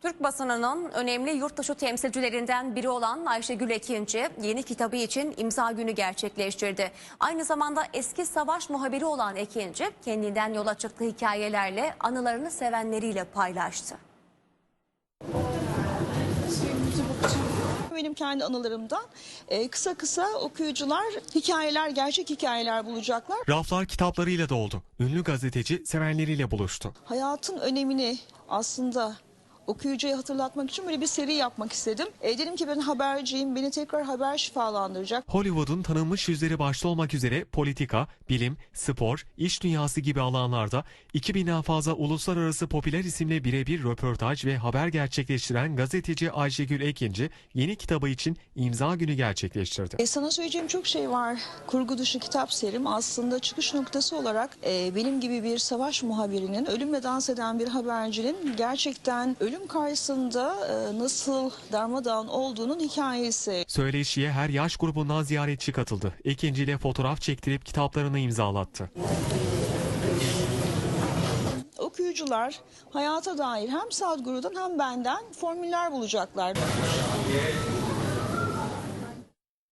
Türk basınının önemli yurtdışı temsilcilerinden biri olan Ayşegül Ekinci yeni kitabı için imza günü gerçekleştirdi. Aynı zamanda eski savaş muhabiri olan Ekinci kendinden yola çıktığı hikayelerle anılarını sevenleriyle paylaştı. Benim kendi anılarımdan kısa kısa okuyucular hikayeler, gerçek hikayeler bulacaklar. Raflar kitaplarıyla doldu. Ünlü gazeteci sevenleriyle buluştu. Hayatın önemini aslında okuyucuya hatırlatmak için böyle bir seri yapmak istedim. Dedim ki ben haberciyim, beni tekrar haber şifalandıracak. Hollywood'un tanınmış yüzleri başta olmak üzere politika, bilim, spor, iş dünyası gibi alanlarda 2000'den fazla uluslararası popüler isimle birebir röportaj ve haber gerçekleştiren gazeteci Ayşegül Ekinci yeni kitabı için imza günü gerçekleştirdi. Sana söyleyeceğim çok şey var. Kurgu dışı kitap serim aslında çıkış noktası olarak benim gibi bir savaş muhabirinin, ölümle dans eden bir habercinin gerçekten ölüm karşısında nasıl darmadağın olduğunun hikayesi. Söyleşiye her yaş grubundan ziyaretçi katıldı. Ekinci ile fotoğraf çektirip kitaplarını imzalattı. Okuyucular hayata dair hem Sadhguru'dan hem benden formüller bulacaklar.